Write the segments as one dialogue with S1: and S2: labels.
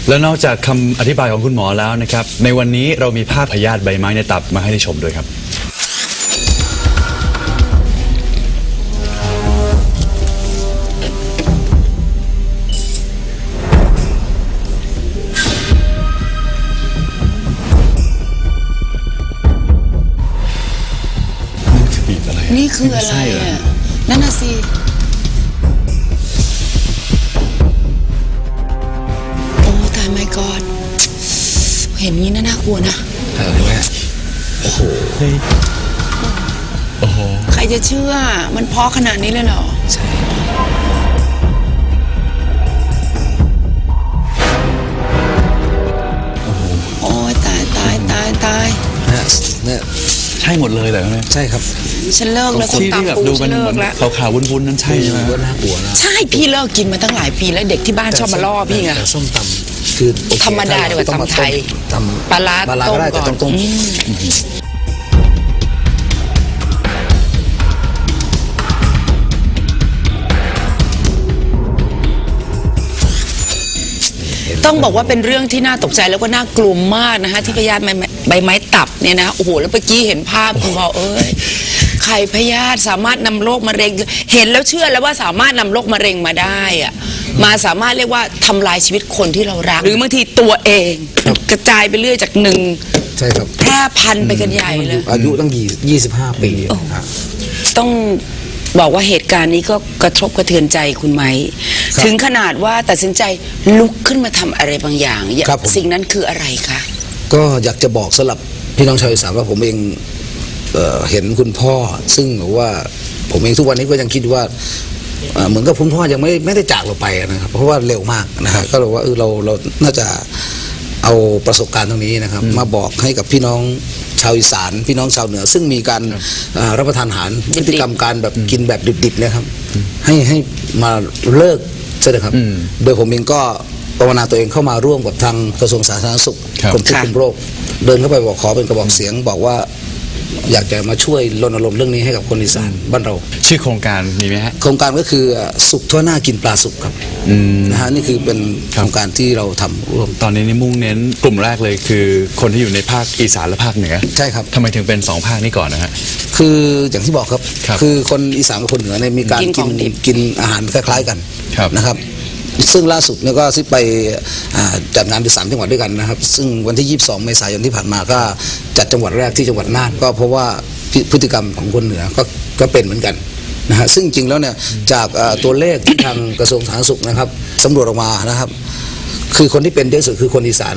S1: แล้วนอกจากคำอธิบายของคุณหมอแล้วนะครับในวันนี้เรามีภาพพยาธิใบไม้ในตับมาให้ได้ชมด้วยครับ
S2: นี่คืออะไรอ่ะนั่นน่ะสิโอ้ตายไม่กอดเห็นงี้น่ากลัวนะ
S3: ใช่ไหมโอ้โห
S1: โอ้โห
S2: ใครจะเชื่อมันเพาะขนาดนี้เลยเหรอ
S3: ใช่
S2: โอ้ยตาย
S3: เนี่ย
S1: ใช่หมดเลยเหรอเนี่ย
S3: ใช่ครับ
S2: ฉันเลิกแล้วส้มตำปูฉันเลิกแล้ว
S1: ขาวๆวุ้นๆนั้นใช่ไหม
S3: ว่าน่ากลัวนะ
S2: ใช่พี่เลิกกินมาตั้งหลายปีแล้วเด็กที่บ้านชอบมาล่อพี่ไง
S3: แต่ส้มตำคือ
S2: ธรรมดาดีกว่าตำไทยปลาร้าต้มก่อนต้องบอกว่าเป็นเรื่องที่น่าตกใจแล้วก็น่ากลัวมากนะคะที่พยาธิใบไม้ตับเนี่ยนะโอ้โหแล้วเมื่อกี้เห็นภาพคุณบอกไข่พยาธิสามารถนำโรคมะเร็งเห็นแล้วเชื่อแล้วว่าสามารถนำโรคมะเร็งมาได้อะมาสามารถเรียกว่าทำลายชีวิตคนที่เรารักหรือบางทีตัวเองกระจายไปเรื่อยจากหนึ่ง
S3: ใช่ครับ
S2: แพร่พันธุ์ไปกันใหญ่เลย
S3: อายุตั้ง25 ปี
S2: ต้องบอกว่าเหตุการณ์นี้ก็กระทบกระเทือนใจคุณไหมถึงขนาดว่าตัดสินใจลุกขึ้นมาทำอะไรบางอย่างสิ่งนั้นคืออะไรคะ
S3: ก็อยากจะบอกสำหรับพี่น้องชาวอีสานว่าผมเองเห็นคุณพ่อซึ่งว่าผมเองทุกวันนี้ก็ยังคิดว่าเหมือนกับคุณพ่อยังไม่ได้จากเราไปนะครับเพราะว่าเร็วมากนะครับก็เลยว่าเราน่าจะเอาประสบการณ์ตรงนี้นะครับมาบอกให้กับพี่น้องชาวอีสานพี่น้องชาวเหนือซึ่งมีการรับประทานอาหารพฤติกรรมการแบบกินแบบดิบๆนะครับให้มาเลิกใช่ไหมครับโดยผมเองก็ภาวนาตัวเองเข้ามาร่วมกับทางกระทรวงสาธารณสุขกรมควบคุมโรคเดินเข้าไปบอกขอเป็นกระบอกเสียงบอกว่าอยากจะมาช่วยรณรงค์เรื่องนี้ให้กับคนอีสานบ้านเรา
S1: ชื่อโครงการมีไหมฮะ
S3: โครงการก็คือสุขทั่วหน้ากินปลาสุกครับนะฮะนี่คือเป็นโครงการที่เราทำร่วม
S1: ตอนนี้มุ่งเน้นกลุ่มแรกเลยคือคนที่อยู่ในภาคอีสานและภาคเหนือ
S3: ใช่ครับ
S1: ทำไมถึงเป็น2ภาคนี้ก่อนนะฮะ
S3: คืออย่างที่บอกครับคือคนอีสานกับคนเหนือเนี่ยมีการกินอาหารคล้ายๆกันนะครับซึ่งล่าสุดเนี่ยก็ไปจัดงานไป3 จังหวัดด้วยกันนะครับซึ่งวันที่22 เมษายนที่ผ่านมาก็จัดจังหวัดแรกที่จังหวัดน่านก็เพราะว่าพฤติกรรมของคนเหนือก็เป็นเหมือนกันนะฮะซึ่งจริงแล้วเนี่ยจากตัวเลขที่ทางกระทรวงสาธารณสุขนะครับสำรวจออกมานะครับคือคนที่เป็นเยอะสุดคือคนอีสาน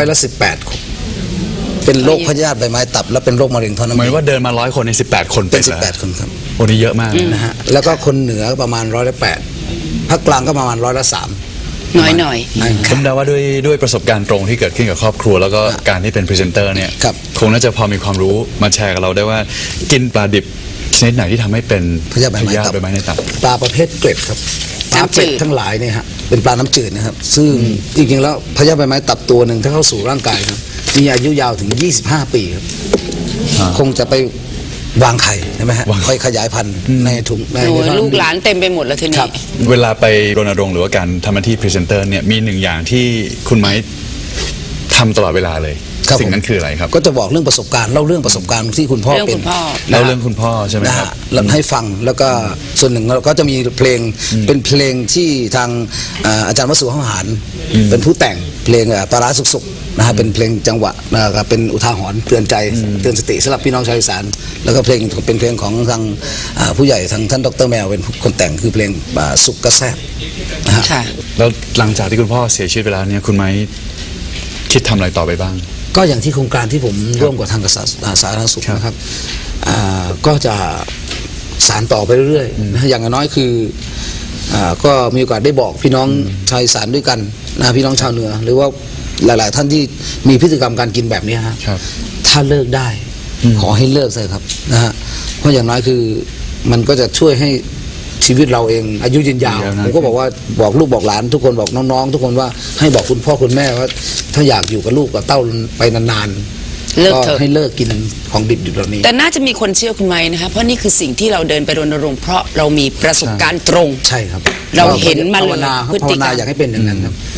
S3: 18%เป็นโรคพยาธิใบไม้ตับและเป็นโรคมะเร็งท่อน้ำ
S1: เหมือนว่าเดินมา100 คนใน18 คน
S3: เป็น18 คนครับ
S1: โอ้นี่เยอะมาก
S3: นะฮะแล้วก็คนเหนือประมาณ8%ภาคกลางก็ประมาณ3%
S2: น้อย
S1: ผมเดาว่าด้วยประสบการณ์ตรงที่เกิดขึ้นกับครอบครัวแล้วก็การที่เป็นพรีเซนเตอร์เนี่ยคงน่าจะพอมีความรู้มาแชร์กับเราได้ว่ากินปลาดิบชนิดไหนที่ทำให้เป็น
S3: พยาธิใบไม้ในตับปลาประเภทเกล็ดครับปลาเกล็ดทั้งหลายเนี่ยฮะเป็นปลาน้ำจืดนะครับซึ่งจริงๆแล้วพยาธิใบไม้ตับตัวหนึ่งถ้าเข้าสู่ร่างกายครับมีอายุยาวถึง25 ปีครับคงจะไปวางไข่ใช่ไหมฮะค่อยขยายพันธุ์ในถุงใน
S2: ลูกหลานเต็มไปหมดแล้วทีนี้
S1: เวลาไปรณรงค์หรือว่าการทำหน้าที่พรีเซนเตอร์เนี่ยมี1 อย่างที่คุณไม้ทำตลอดเวลาเลยสิ่งนั้นคืออะไรครับ
S3: ก็จะบอกเรื่องประสบการณ์เล่าเรื่องประสบการณ์ที่คุณพ่อเป็น
S1: เล่าเรื่องคุณพ่อใช่ไหมครับ
S3: ให้ฟังแล้วก็ส่วนหนึ่งเราก็จะมีเพลงเป็นเพลงที่ทางอาจารย์วสุห้องหารเป็นผู้แต่งเพลงปลาร้าสุกๆนะฮะเป็นเพลงจังหวะนะครับเป็นอุทาหรณ์เตือนใจเตือนสติสำหรับพี่น้องชาวอีสานแล้วก็เพลงเป็นเพลงของทางผู้ใหญ่ทางท่านดร.แมวเป็นคนแต่งคือเพลงสุกกระแซบนะฮะ
S1: แล้วหลังจากที่คุณพ่อเสียชีวิตไปแล้วเนี่ยคุณไม้คิดทำอะไรต่อไปบ้าง
S3: ก็อย่างที่โครงการที่ผมร่วมกับทางกระทรวงสาธารณสุขนะครับก็จะสานต่อไปเรื่อยๆนะอย่างน้อยคือก็มีโอกาสได้บอกพี่น้องชาวอีสานด้วยกันนะพี่น้องชาวเหนือหรือว่าหลายๆท่านที่มีพฤติกรรมการกินแบบนี้ฮะถ้าเลิกได้ขอให้เลิกเลยครับนะฮะเพราะอย่างน้อยคือมันก็จะช่วยให้ชีวิตเราเองอายุยืนยาวผมก็บอกว่าบอกลูกบอกหลานทุกคนบอกน้องๆทุกคนว่าให้บอกคุณพ่อคุณแม่ว่าถ้าอยากอยู่กับลูกกับเต้าไปนานๆก็ให้เลิกกินของดิบๆแบบนี้
S2: แต่น่าจะมีคนเชื่อคุณไหมนะคะเพราะนี่คือสิ่งที่เราเดินไปรณรงค์เพราะเรามีประสบการณ์ตรง
S3: ใช่ครับ
S2: เราเห็นมาเลย
S3: ภาวนาอยากให้เป็นอย่างนั้นครับ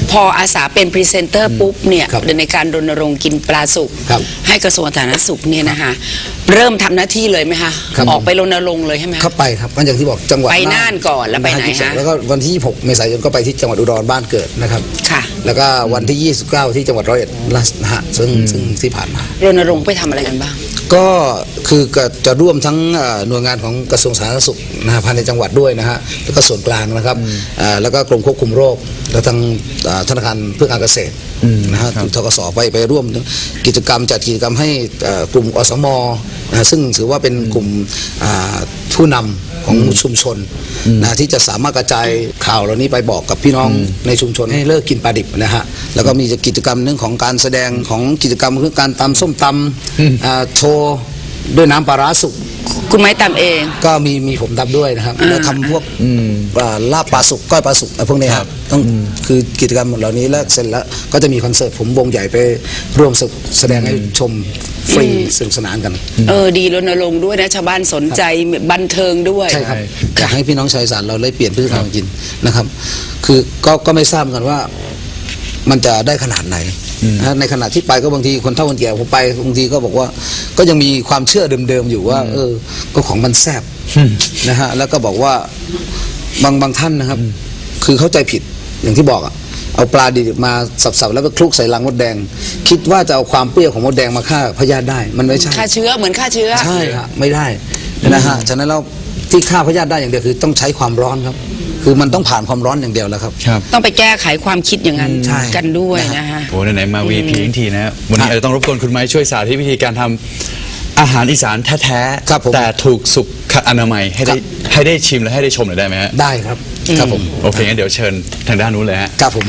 S2: พออาสาเป็นพรีเซนเตอร์ปุ๊บเนี่ย
S3: ครับ
S2: ในการรณรงค์กินปลาสุก
S3: ครับ
S2: ให้กระทรวงสาธารณสุขเนี่ยนะคะเริ่มทำหน้าที่เลยไหมคะ
S3: ครับ
S2: ออกไปรณรงค์เลยใช่ไหมคะ
S3: เข้าไปครับก็อย่างที่บอกจังหวัด
S2: ไปน่านก่อนแล้วไปไหนฮะ
S3: แล้วก็วันที่ 26 เมษายนก็ไปที่จังหวัดอุดรบ้านเกิดนะครับ
S2: ค่ะ
S3: แล้วก็วันที่ 29 ที่จังหวัดร้อยเอ็ดนะฮะซึ่งที่ผ่านมา
S2: รณรงค์ไปทำอะไรกันบ้าง
S3: ก็คือจะร่วมทั้งหน่วยงานของกระทรวงสาธารณสุขนะฮะภายในจังหวัดด้วยนะฮะแล้วก็ส่วนกลางนะครับแล้วก็กรมควบคุมโรคแล้วทางธนาคารเพื่อการเกษตรนะฮะทกสไปร่วมกิจกรรมจัดกิจกรรมให้กลุ่มอสมนะฮะซึ่งถือว่าเป็นกลุ่มผู้นำของชุมชนนะที่จะสามารถกระจายข่าวเหล่านี้ไปบอกกับพี่น้องในชุมชนให้เลิกกินปลาดิบนะฮะแล้วก็มีกิจกรรมเรื่องของการแสดงของกิจกรรมคือการตำส้มตำโชว์ด้วยน้ำปลาร้าสุก
S2: คุณไม้ตามเอง
S3: ก็มีผมทำด้วยนะครับแล้วทำพวกลาบปลาสุกก้อยปลาสุกอะไรพวกนี้ครับต้องคือกิจกรรมเหล่านี้แล้วเสร็จแล้วก็จะมีคอนเสิร์ตผมวงใหญ่ไปร่วมแสดงให้ชมฟรีสนุกสนานกัน
S2: ดีรณรงค์ด้วยนะชาวบ้านสนใจบันเทิงด้วย
S3: ใช่ครับอยากให้พี่น้องชาวอีสานเราได้เปลี่ยนพฤติกรรมการกินนะครับ คือก็ไม่ทราบเหมือนกันว่ามันจะได้ขนาดไหนนะในขณะที่ไปก็บางทีคนเฒ่าคนแก่ผมไปบางทีก็บอกว่าก็ยังมีความเชื่อเดิมๆอยู่ว่าก็ของมันแซ่บนะฮะแล้วก็บอกว่าบางท่านนะครับ คือเข้าใจผิดอย่างที่บอกอะเอาปลาดิบมาสับๆแล้วก็คลุกใส่รังมดแดง คิดว่าจะเอาความเปรี้ยวของมดแดงมาฆ่าพยาธิได้มันไม่ใช่
S2: ฆ่าเชื้อเหมือนฆ่าเชื้อ
S3: ใช่ครับไม่ได้นะฮะฉะนั้นเราที่ฆ่าพยาธิได้อย่างเดียวคือต้องใช้ความร้อนครับ คือมันต้องผ่านความร้อนอย่างเดียวแล้วครับ
S2: ต้องไปแก้ไขความคิดอย่างนั้น
S3: ใช่
S2: กันด้วยนะฮะ
S1: โอ้ไหนๆมา VP ทั้งทีนะวันนี้อาจจะต้องรบกวนคุณไม้ช่วยสาธิตวิธีการทำอาหารอีสานแท้
S3: ครับผม
S1: แต่ถูกสุขอนามัยให้ได้ชิมและให้ได้ชมหน่อยได้ไหมฮะ
S3: ได้ครับครับผม
S1: โอเคงั้นเดี๋ยวเชิญทางด้านนู้นเลยฮะ
S3: ครับผม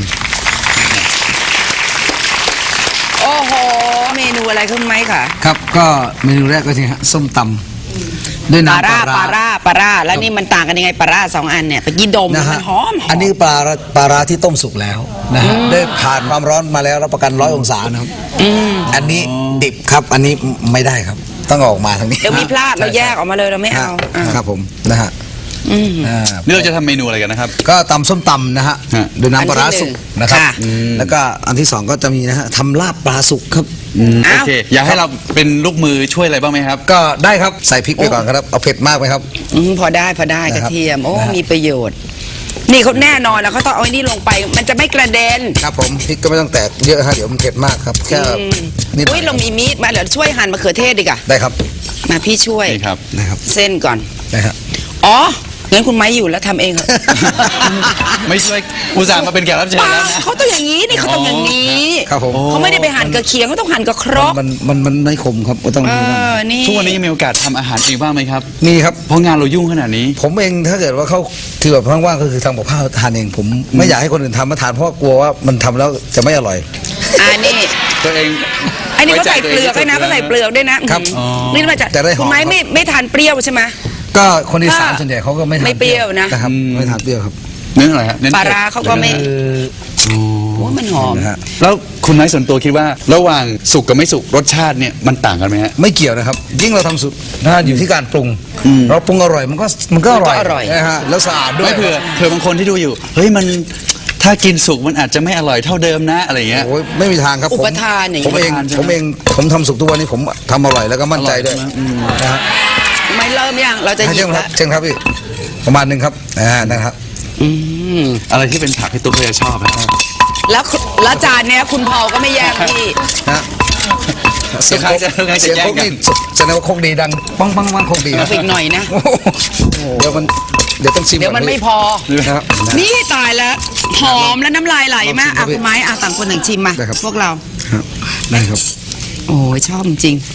S2: โอ้โห เมนูอะไรคุณไม้ค่ะ
S3: ครับก็เมนูแรกก็ทีฮะส้มตำด้วย
S2: ปลา
S3: น้ำ
S2: ร่าปลาร่าแล้วนี่มันต่างกันยังไงปลาร่าสองอันเนี่ยไปกินดม
S3: นะ
S2: มั
S3: ฮะ
S2: นหอม
S3: อันนี้ปลาร้าที่ต้มสุกแล้วนะฮะได้ผ่านความร้อนมาแล้วรับประกัน100 องศานะครับอันนี้ดิบครับอันนี้ไม่ได้ครับ ต้องเอาออกมาทางนี้
S2: เดี๋ยวมีพลาดเราแยกออกมาเลยเราไม่เอาอ่ะ
S3: ครับผมนะฮะ
S1: นี่เราจะทำเมนูอะไรกันนะครับ
S3: ก็ตำส้มตำนะฮะ
S1: ฮะ
S3: ด้วยน้ำปลาร้าสุกนะครับ
S2: ค่ะ
S3: แล้วก็อันที่สองก็จะมีนะฮะทำลาบปลาสุกครับ
S1: โอเค อยากให้เราเป็นลูกมือช่วยอะไรบ้างไหมครับ
S3: ก็ได้ครับใส่พริกไปก่อนครับเอาเผ็ดมากไหมครับ
S2: พอได้ก
S3: นะ
S2: ระ
S3: ครับ
S2: เทียมโอ้
S3: นะฮะ
S2: มีประโยชน์ นี่เขาแน่นอนแล้วเขาต้องเอาไอ้นี่ลงไป มันจะไม่กระเด็น
S3: ครับผมพริกก็ไม่ต้องแตกเยอะฮะเดี๋ยวมันเผ็ดมากครับแค่นิดหน่
S2: อุ้
S3: อย ย
S2: เรามีมีดมาเดี๋ยวช่วยหั่นมะเขือเทศดีกว่า
S3: ได้ครับ
S2: มาพี่ช่วย
S1: นี่ครับ
S3: นะครับ
S2: เส้นก่อน
S3: นะฮะ
S2: อ๋องั้นคุณไม้อยู่แล้วทำเองเหรอ
S1: ไม่ช่วยอุตส่าห์มาเป็นแขกรับเชิญ
S2: เปล่า
S1: แล้วนะ
S2: เขาต้องอย่างนี้นี่เขาต้องอย่างนี้
S3: ครับผม
S2: เขาไม่ได้ไปหั่นกระเคียงเขาต้องหั่นกระครก
S3: มันไม่ขมครับก็ต้อง
S2: นี่
S1: ทุกวันนี้ยังมีโอกาสทำอาหารเองบ้างไหมครับ
S3: มีครับ
S1: เพราะงานเรายุ่งขนาดนี้
S3: ผมเองถ้าเกิดว่าเขาคือแบบว่างๆก็คือทำกับข้าวทานเองผมไม่อยากให้คนอื่นทำมาทานเพราะกลัวว่ามันทำแล้วจะไม่อร่อย
S2: นี่
S1: ตัวเอง
S2: ไอ้นี่เขาใส่เปลือกด้วยนะเขาใส่เปลือกด้วยนะครับ นี่มาจาก
S3: จะได้หอม
S2: คุณไม้ไม่ทานเปรี้ยวใช่ไหม
S3: ก็คนอีสานส่วนใหญ่เขาก็ไม่ทาน
S2: ไม่เปรี้ยวนะ
S3: นะครับไม่ทานเปรี้ยวครับ
S1: เน้นอะไรฮะเน้น
S2: ปลา
S1: ผ็ด
S2: ร้าเขาก็ไม่โอ้มันหอม
S3: นะฮะ
S1: แล้วคุณไม้ส่วนตัวคิดว่า ระหว่างสุกกับไม่สุกรสชาติเนี่ยมันต่างกันไหมฮะ
S3: ไม่เกี่ยวนะครับ ยิ่งเราทำสุดนะฮะอยู่ที่การปรุง เราปรุงอร่อยมันก็อร่อย
S2: มันก็อร่อย
S3: นะฮะแล้วสะอาดด้วย
S1: ไม่เผื่อบางคนที่ดูอยู่ เฮ้ยมันถ้ากินสุกมันอาจจะไม่อร่อยเท่าเดิมนะอะไรเงี้ย
S3: โอ้ยไม่มีทางครับ
S2: อุปทานอย่างนี้
S3: ผมเอง
S1: อุปทานใช่ไหม
S3: ผมทำสุกทุกวันนี้ผมทำอร่อยแล้วก็มั่นใจด้วย
S1: อร่อยใช่ไหม
S3: นะฮะ
S2: ไม่เริ่มยังเราจะหยิ
S3: เชิ
S2: บ
S3: ญครั
S2: ละ
S3: บเชิญครับพี่ประมาณหนึ่งครับนะครับ
S1: อะไรที่เป็นผักที่ตุ๊กจะชอบนะครับ
S2: แล้วจานเนี้ยคุณพอลก็ไม่แย่งพี่
S3: นะ
S1: เสียงโคก
S3: นี่แสดงว่าโคกดีดังปังปังปังโคกดี
S2: เอาไปอีกหน่อยนะ
S3: โอ้โหเดี๋ยวต้องชิม
S2: เดี๋ยวมัน
S3: ก่อ
S2: ไม่
S3: พี่
S2: พอ
S3: นะครับ
S2: นี่ตายแล้วหอมและน้ำลายไหลมาก
S3: ลองชิมครับ
S2: คุณไม้ต่างคนต่างชิมมา
S3: ได้ครับ
S2: พวกเรา
S3: ครับได้ครับ
S2: โอ้ยชอบจริง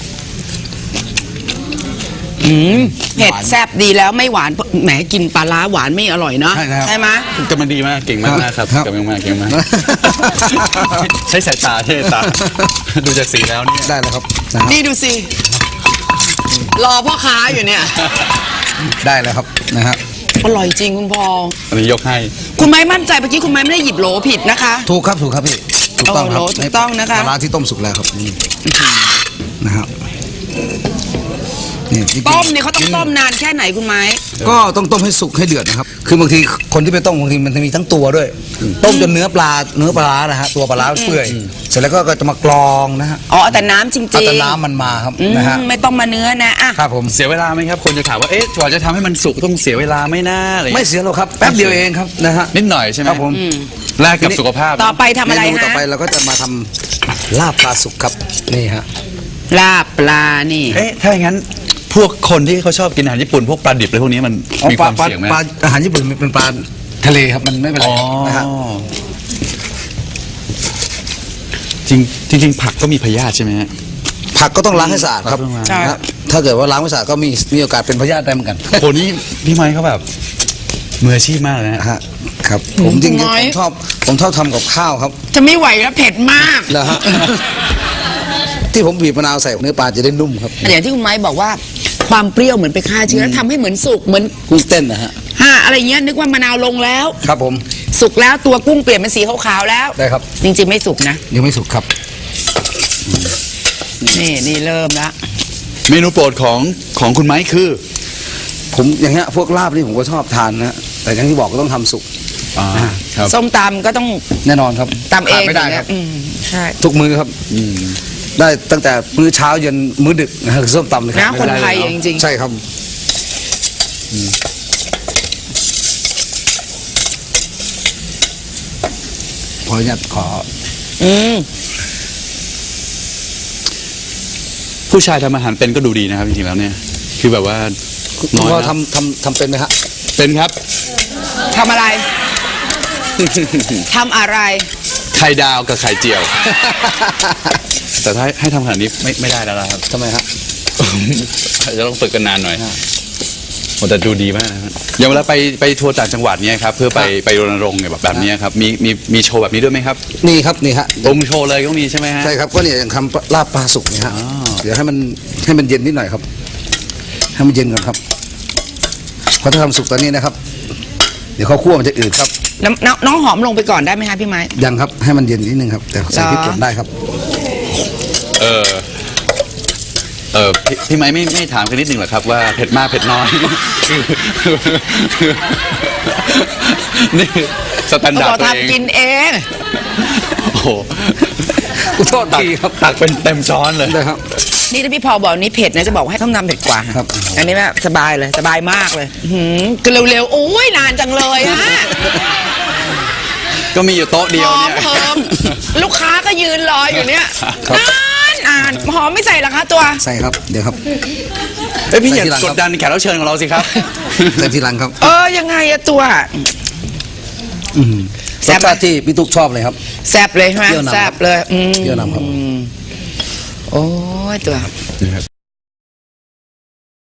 S2: เผ็ดแซ่บดีแล้วไม่หวานแหมกินปลาร้าหวานไม่อร่อยเนาะ
S3: ใช่ครับ
S2: ใช่ไหม
S1: กำลังดีมากเก่งมากนะครับ
S3: ครับ
S1: กำลังมากเก่งมากใช้สายตาใช้สายตา ดูจากสีแล้วเนี่ย
S3: ได้แล้วครับนะครับ
S2: นี่ดูสิรอพ่อค้าอยู่เนี่ย
S3: ได้แล้วครับนะฮะ
S2: อร่อยจริงคุณพอล
S1: อันนี้ยกให้
S2: คุณไม้มั่นใจเมื่อกี้คุณไม้ไม่ได้หยิบโหลผิดนะคะ
S3: ถูกครับพี่ถูกต้องครับ
S2: โอ้โหถูกต้องนะคะ
S3: ปลาร้าที่ต้มสุกแล้วครับนี่นะครับนี่จริงๆ
S2: ต้มเนี่ยเขาต้องต้มนานแค่ไหนคุณไม้
S3: ก็ต้องต้มให้สุกให้เดือดนะครับ คือบางทีคนที่ไปต้มบางทีมันจะมีทั้งตัวด้วย ต้มจนเนื้อปลาร้านะฮะตัวปลาร้าเปื่อยเสร็จแล้วก็จะมากรองนะฮะ
S2: อ๋อเอาแต่น้ำจริง
S3: เอาแต่น้ำมันมาครับ
S2: ๆ
S3: นะฮะ
S2: ไม่ต้องมาเนื้อนะอ่ะ
S3: ครับผม
S1: เสียเวลาไหมครับคนจะถามว่าเอ๊ะกว่าจะทำให้มันสุกต้องเสียเวลาไหม่น่าอะไร
S3: ไม่เสียหรอกครับแป๊บเดียวเองครับนะฮะ
S1: นิดหน่อยใช่ไหม
S3: ครับผม
S1: แลกกับสุขภาพ
S2: ต่อไปทำอะไร
S3: เมนูต่อ
S2: ฮะ
S3: ไปเราก็จะมาทำลาบปลาสุกครับนี่ฮะ
S2: ลาบปลานี่
S1: เอ๊ะถ้าอย่างนั้นพวกคนที่เขาชอบกินอาหารญี่ปุ่นพวกปลาดิบอะไรพวกนี้มันมีความเสี่ยงไหม
S3: ปลาอาหารญี่ปุ่นมันเป็นปลาทะเลครับมันไม่เป็นไร
S1: อ๋อ
S3: นะฮะ
S1: จริงผักก็มีพยาธิใช่ไหมฮะ
S3: ผักก็ต้องล้างให้สะอาดครับ
S1: ต้องล้าง
S2: ใช่
S3: นะฮะถ้าเกิดว่าล้างไม่สะอาดก็มีโอกาสเป็นพยาธิได้เหมือนกัน
S1: โหนี่พี่ไม้เขาแบบมืออาชีพมากเลยนะ
S3: นะฮะครับผมจริง
S2: น้อย
S3: ๆผมชอบทำกับข้าวครับ
S2: จะไม่ไหวแล้วเผ็ดมาก
S3: นะฮะ ที่ผมบีบมะนาวใส่เนื้อปลาจะได้นุ่มครับ
S2: อย่างที่คุณไม้บอกว่าความเปรี้ยวเหมือนไปฆ่าเชื้อแล้วทำให้เหมือนสุกเหมือน
S3: กุ้งเต้นนะฮะ
S2: อะไรเงี้ยนึกว่ามะนาวลงแล้ว
S3: ครับผม
S2: สุกแล้วตัวกุ้งเปลี่ยนเป็นสีขาวๆแล้ว
S3: ได้ครับ
S2: จริงๆไม่สุกนะ
S3: ยังไม่สุกครับ
S2: นี่เริ่มละ
S1: เมนูโปรดของคุณไม้คือ
S3: ผมอย่างเงี้ยพวกลาบนี่ผมก็ชอบทานนะแต่อย่างที่บอกก็ต้องทำสุก
S1: ครับ
S2: ส้มตำก็ต้อง
S3: แน่นอนครับ
S2: ตำเอง
S3: ขาไม่ได้ครับ
S2: อืมใช่
S3: ทุกมื้อครับได้ตั้งแต่มื้อเช้าเย็นมื้อดึกนะฮะคือส้มตำเลยค
S2: นะ
S3: รับ
S2: คน
S3: ม่ด้
S2: ไทย
S3: เล
S2: จริงๆ
S3: ใช่ครับขออนุญาตขอ
S2: อืม
S1: ผู้ชายทำอาหารเป็นก็ดูดีนะครับจริงๆแล้วเนี่ยคือแบบว่า
S3: คุณ
S1: น้อย
S3: พ่อ
S1: นะ
S3: ทำเป็นไหมฮะ
S1: เป็นครับ
S2: ทำอะไร ทำอะไร
S1: ไข่ดาวกับไข่เจียว แต่ถ้าให้ทำขนาดนี้ไม่ได้แล้วนะครับ
S3: ทำไมฮะ
S1: จะต้องฝึกกันนานหน่อยโอ้แต่ดูดีมากนะครับอย่างเวลาไปทัวร์ต่างจังหวัดเนี่ยครับเพื่อไปรณรงค์เนี่ยแบบนี้ครับมีโชว์แบบนี้ด้วยไหมครับ
S3: นี่ครับนี่ฮะ
S1: องค์โชว์เลยก็มีใช่ไหมฮะ
S3: ใช่ครับก็เนี่ยอย่างทำลาบปลาสุกเนี่ยฮะ
S1: อ๋อ
S3: เดี๋ยวให้มันเย็นนิดหน่อยครับ ให้มันเย็นก่อนครับเพราะถ้าทำสุกตอนนี้นะครับ เดี๋ยวข้าวคั่วมันจะอืดครับ
S2: น้องหอมลงไปก่อนได้ไหมคะพี่ไม้
S3: ยังครับให้มันเย็นนิดนึงครับแต่ใส่พริกป่นได้ครับ
S1: พี่ไม้ไม่ถามกันนิดนึงเหรอครับว่าเผ็ดมากเผ็ดน้อย นี่สแตน
S2: ก็
S1: ดา
S2: บ
S1: ร์
S2: อ
S1: ด
S2: ก
S1: ตัวเอง
S2: ทำกินเอง
S1: โอ้โห
S3: โทษทีครับ
S1: ตักเป็นเต็มช้อนเลย
S3: ได้ครับ
S2: นี่ถ้าพี่พอบอกนี่เผ็ดนะจะบอกให้ต้องนำเผ็ดกว่า
S3: ครับ
S2: อันนี้แบบสบายเลยสบายมากเลยคือเร็วๆโอ้ยนานจังเลยฮะ
S1: ก็มีอยู่โต๊ะเดี
S2: ห
S1: ยว
S2: อม
S1: เนี่ย
S2: เพิ่มลูกค้าก็ยืนรออยู่เนี่ย
S3: ครับ
S2: นานหอมไม่ใส่เหรอคะตัว
S3: ใส่ครับเดี๋ยวครับ
S1: เอ้ยพี่อย่า
S3: ใส่ทีหลัง
S1: ก
S3: ครั
S1: ด
S3: บ
S1: ดันแขกรับเชิญของเราสิครับ
S3: ใส่ทีหลังครับ
S2: ยังไงอะตัว
S3: ร
S2: แซ่
S3: ส
S2: บไหม
S3: ชาติที่พี่ตุ๊กชอบเลยครับ
S2: แซบเลยใช่ไหม
S3: เปรี้ยวนำ
S2: แซบเลย
S3: เปรี้ยวนำครับ
S2: โอ้ยตัว
S1: นะครับ